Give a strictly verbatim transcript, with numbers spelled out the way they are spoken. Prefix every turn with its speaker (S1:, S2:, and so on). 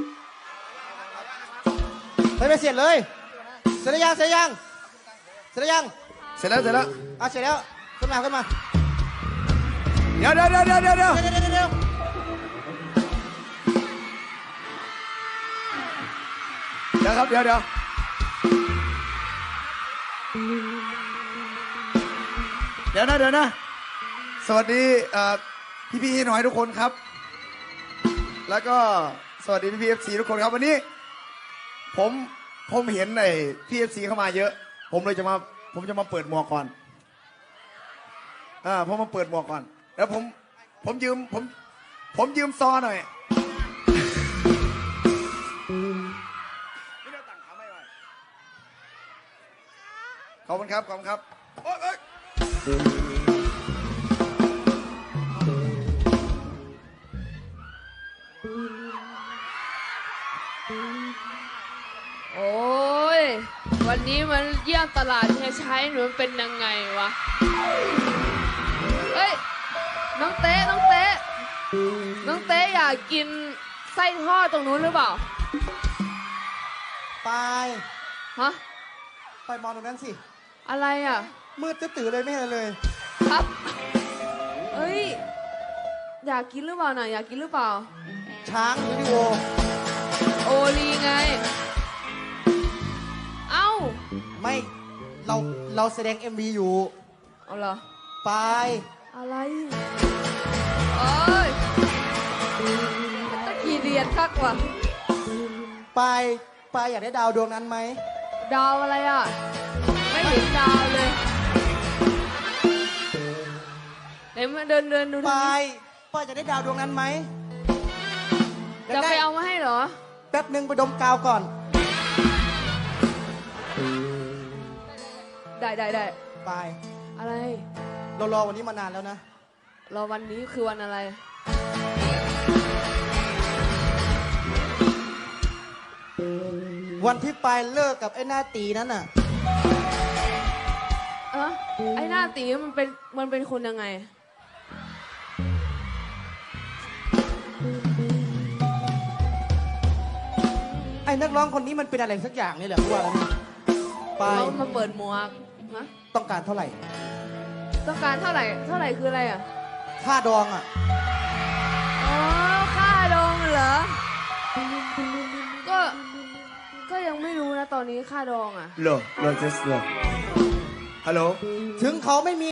S1: ไปไปเสร็จเลยเสร็จยังเสร็จยังเสร็จยัง
S2: เสร็จแล้วเสร็จแล้ว
S1: อ่ะเสร็จแล้วขึ้นมาขึ้นมา
S2: เดี๋ยวเดี๋ยวเดี๋ยวเดี๋ยวเดี๋ยวเดี๋ยว
S1: เดี๋ยวเดี๋ยวเดี๋ยว
S2: เดี๋ยวครับเดี๋ยวเดี๋ยวเดี๋ยวนะเดี๋ยวนะสวัสดีพี่พี่หน่อยทุกคนครับแล้วก็สวัสดีพี่พี่เอฟซีทุกคนครับวันนี้ผมผมเห็นไอ้พี่เอฟซีเข้ามาเยอะผมเลยจะมาผมจะมาเปิดหมวกก่อนอ่าผมมาเปิดหมวกก่อนแล้วผมผมยืมผมผมยืมซอหน่อยขอบคุณครับขอบคุณครับโอ๊ยโอ๊ย
S3: โอ้ยวันนี้มันเยี่ยมตลาดเฮียชัยหนูมันเป็นยังไงวะเอ้ยน้องเต้น้องเต้น้องเต้อยากกินไส้ทอดตรงนู้นหรือเปล่า
S1: ไป
S3: ฮะ
S1: ไปมองตรงนั้นสิ
S3: อะไรอ่ะ
S1: มืดตื่นเลยไม่เห็นเลย
S3: ครับเอ้ยอยากกินหรือเปล่าน่ะอยากกินหรือเปล่า
S1: ช้างวิดีโอ
S3: โอลีไงเอ้า
S1: ไม่เราเราแสดง เอ็ม วี อยู่
S3: เอาเหรอ
S1: ไป
S3: อะไรโอ้ยตะกี้เรียนคักว่ะ
S1: ไปไปอยากได้ดาวดวงนั้นไหม
S3: ดาวอะไรอ่ะไม่เห็นดาวเลยไหนมาเดินเดินดู
S1: ไปไปอยากได้ดาวดวงนั้นไหม
S3: จะไปเอามาให้เหรอ
S1: แป๊บหนึ่งไปดมกาวก่อน
S3: ได้ได้ได้
S1: ไป
S3: อะไร
S1: เรารอวันนี้มานานแล้วนะ
S3: รอวันนี้คือวันอะไร
S1: วันที่ไปเลิกกับไอ้หน้าตีนั่นน่ะ
S3: เออไอ้หน้าตีมันเป็นมันเป็นคนยังไง
S1: ไอ้นักร้องคนนี้มันเป็นอะไรสักอย่างนี่แหละว่าไป
S3: เขามาเปิดหมวกฮะ
S1: ต้องการเท่าไหร่
S3: ต้องการเท่าไหร่เท่าไหร่คืออะไรอ่ะ
S1: ค่าดองอ่ะ
S3: อ๋อค่าดองเหรอก็ก็ยังไม่รู้นะตอนนี้ค่าดองอ่ะ
S2: เหรอเหรอ just เหรอฮัลโหล
S1: ถึงเขาไม่มี